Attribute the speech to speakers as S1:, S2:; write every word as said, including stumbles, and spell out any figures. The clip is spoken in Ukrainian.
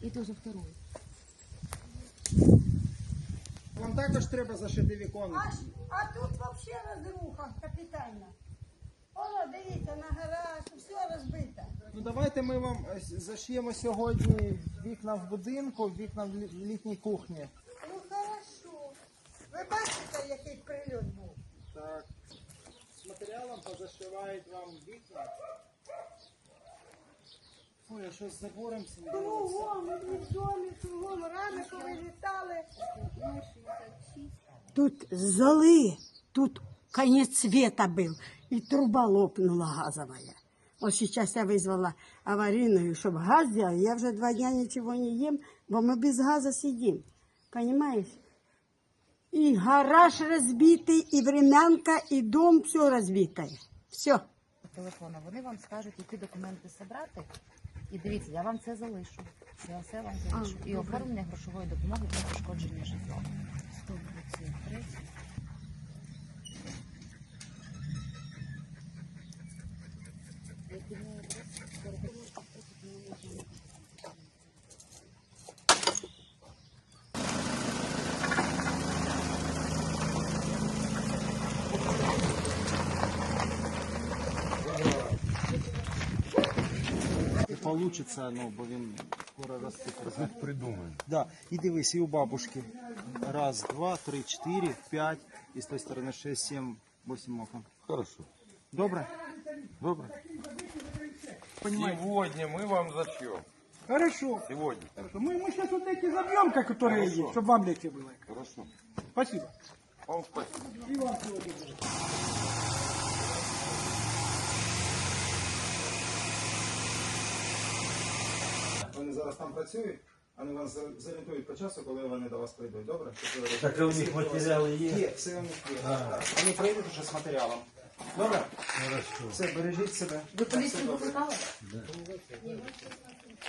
S1: Это уже второй.
S2: Вам також треба зашити віконницю.
S3: А, а тут взагалі розруха капітальна. Воно, дивіться, на гараж, все розбите.
S2: Ну давайте ми вам е, зашиємо сьогодні вікна в будинку, вікна в лі- літній кухні.
S3: Ну хорошо. Ви бачите, який прильот був?
S2: Так. З матеріалом позашивають вам вікна. Ой, а що з забором цим робиться?
S3: Кругом, і в домі, кругом, рами повилітали.
S4: Тут золы, тут конец света был, и труба лопнула газовая. Вот сейчас я вызвала аварийную, чтобы газ сделали. Я уже два дня ничего не ем, бо мы без газа сидим. Понимаешь? И гараж разбитый, и времянка, и дом, все разбитое. Все.
S1: Телефона. Вони вам скажуть, які документи зібрати. І дивіться, я вам це залишу. Я все вам залишу. І оформлення грошової допомоги для пошкодження житла. сто двадцять три.
S2: Не получиться, ну, бо він скоро розсипеться.
S5: Придумаем.
S2: Да. І дивись, і у бабушки. Раз, два, три, чотири, п'ять. І з тої сторони шесть, сім, вісім окон.
S5: Хорошо.
S2: Добре?
S5: Добро.
S2: Понимаете?
S5: Сегодня мы вам зачем?
S6: Хорошо.
S5: Сегодня.
S6: Хорошо. Мы, мы сейчас вот эти забьем, как которые
S5: Хорошо.
S6: есть, чтобы вам легче было.
S5: Хорошо.
S6: Спасибо.
S5: Вам спасибо.
S6: И вам всего доброго.
S2: Вони зараз там працюють, вони вас за- зорієнтують по часу, коли вони до вас прийдуть. Добре? Щоб ви
S7: Так, а у них матеріали є?
S2: Є, все у них є. Вони прийдуть вже з матеріалом. Добре?
S7: Хорошо.
S2: Все, бережіть себе.
S1: Ви поліцію викликали?